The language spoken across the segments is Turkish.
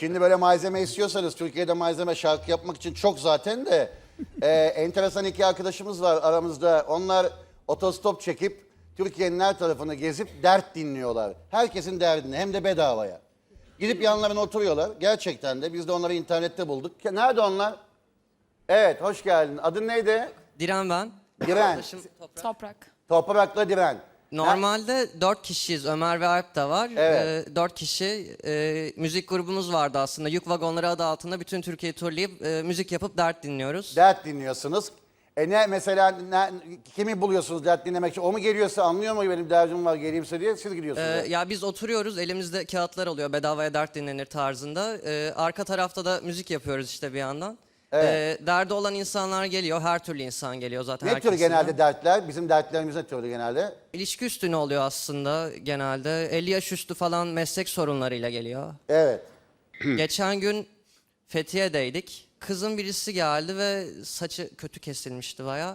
Şimdi böyle malzeme istiyorsanız Türkiye'de malzeme şarkı yapmak için çok zaten de enteresan iki arkadaşımız var aramızda. Onlar otostop çekip Türkiye'nin her tarafını gezip dert dinliyorlar. Herkesin derdini hem de bedavaya. Gidip yanlarına oturuyorlar. Gerçekten de biz de onları internette bulduk. Nerede onlar? Evet, hoş geldin. Adın neydi? Diren ben. Diren. Arkadaşım Toprak. Toprakla Diren. Normalde 4 kişiyiz. Ömer ve Alp de var. Evet. 4 kişi müzik grubumuz vardı aslında. Yük Vagonları adı altında bütün Türkiye'yi turlayıp müzik yapıp dert dinliyoruz. Dert dinliyorsunuz. Ne mesela kimi buluyorsunuz dert dinlemek için? O mu geliyorsa anlıyor mu benim derdim var geleyimse diye siz gidiyorsunuz. Ya biz oturuyoruz, elimizde kağıtlar oluyor, bedavaya dert dinlenir tarzında. Arka tarafta da müzik yapıyoruz işte bir yandan. Evet. Derdi olan insanlar geliyor, her türlü insan geliyor zaten. Ne her tür kesimden. genelde dertler? Bizim dertlerimiz ne türlü genelde? İlişki üstüne oluyor aslında genelde. 50 yaş üstü falan meslek sorunlarıyla geliyor. Evet. Geçen gün Fethiye'deydik. Kızın birisi geldi ve saçı kötü kesilmişti baya.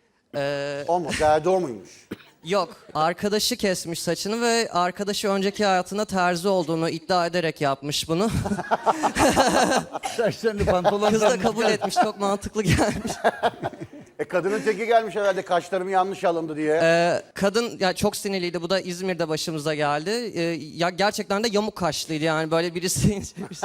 O mu? Derdi o muymuş? Yok, arkadaşı kesmiş saçını ve arkadaşı önceki hayatında terzi olduğunu iddia ederek yapmış bunu. Saçlarını pantolon Kız da kabul etmiş, çok mantıklı gelmiş. Kadının teki gelmiş herhalde kaşlarım yanlış alındı diye. Kadın ya çok sinirliydi, bu da İzmir'de başımıza geldi. Ya gerçekten de yamuk kaşlıydı yani böyle birisi...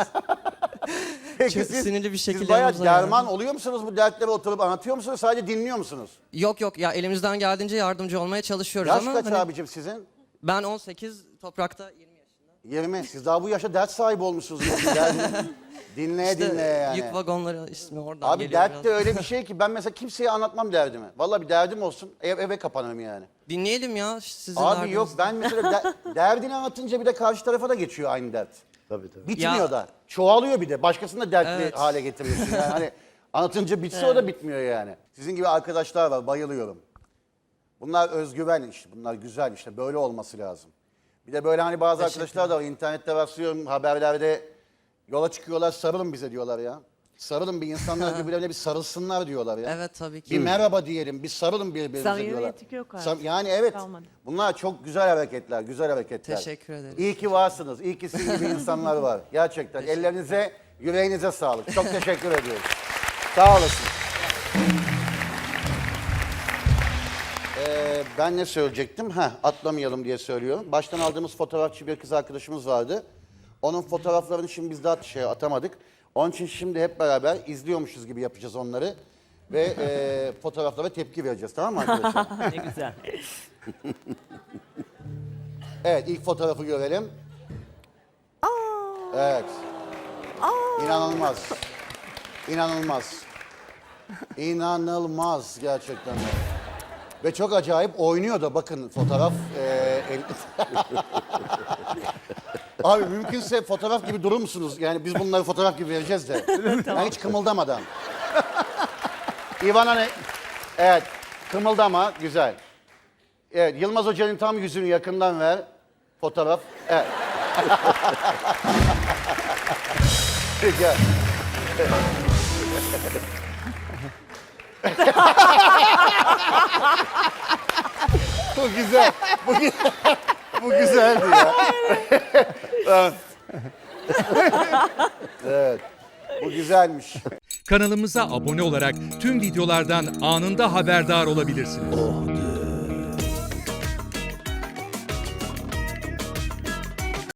Peki çok sinirli bir şekilde siz bayağı yanımıza derman geldi. oluyor musunuz bu dertlere oturup anlatıyor musunuz? Sadece dinliyor musunuz? Yok ya elimizden geldiğince yardımcı olmaya çalışıyoruz Yaş ama... kaç hani abicim sizin? ben 18, Toprak'ta 20 yaşında. 20. Siz daha bu yaşta dert sahibi olmuşsunuz. Dinleye İşte dinleye yani. Yük Vagonları ismi oradan Abi geliyor dert biraz. de öyle bir şey ki ben mesela kimseye anlatmam derdimi. Vallahi bir derdim olsun eve kapanırım yani. Dinleyelim ya sizin Abi derdinizi. yok ben mesela derdini anlatınca bir de karşı tarafa da geçiyor aynı dert. Tabii tabii. Bitmiyor Ya- da. Çoğalıyor bir de. Başkasını da dertli Evet. hale getiriyorsun. Yani hani anlatınca bitse o da bitmiyor yani. Sizin gibi arkadaşlar var. Bayılıyorum. Bunlar özgüven işte. Bunlar güzel işte. Böyle olması lazım. Bir de böyle hani bazı arkadaşlar da var. İnternette rastlıyorum haberlerde yola çıkıyorlar sarılın bize diyorlar ya. Sarılın bir insanlar birbirlerine bir sarılsınlar diyorlar ya. Evet tabii ki. Bir merhaba diyelim, bir sarılın birbirimize diyorlar. Samimiyet yok artık. Yani evet, Kalmadı. bunlar çok güzel hareketler, güzel hareketler. Teşekkür ederiz. İyi ki varsınız, iyi ki sizin gibi insanlar var. Gerçekten ellerinize, yüreğinize sağlık. Çok teşekkür ediyoruz. Sağ olasın. Ben ne söyleyecektim? Atlamayalım diye söylüyorum. Baştan aldığımız fotoğrafçı bir kız arkadaşımız vardı. Onun fotoğraflarını şimdi biz daha atamadık. Onun için şimdi hep beraber izliyormuşuz gibi yapacağız onları. Ve fotoğraflara tepki vereceğiz, tamam mı arkadaşlar? Ne güzel. Evet, ilk fotoğrafı görelim. Evet. İnanılmaz. İnanılmaz. İnanılmaz gerçekten de. Ve çok acayip oynuyor da bakın fotoğraf. Abi mümkünse fotoğraf gibi durur musunuz? Yani biz bunları fotoğraf gibi vereceğiz de. Yani hiç kımıldamadan. İvana ne? Evet, kımıldama, güzel. Evet, Yılmaz Hoca'nın tam yüzünü yakından ver. Fotoğraf. Evet. Gel. Bu güzel. Bu güzeldi ya. Evet. Bu güzelmiş. Kanalımıza abone olarak tüm videolardan anında haberdar olabilirsiniz.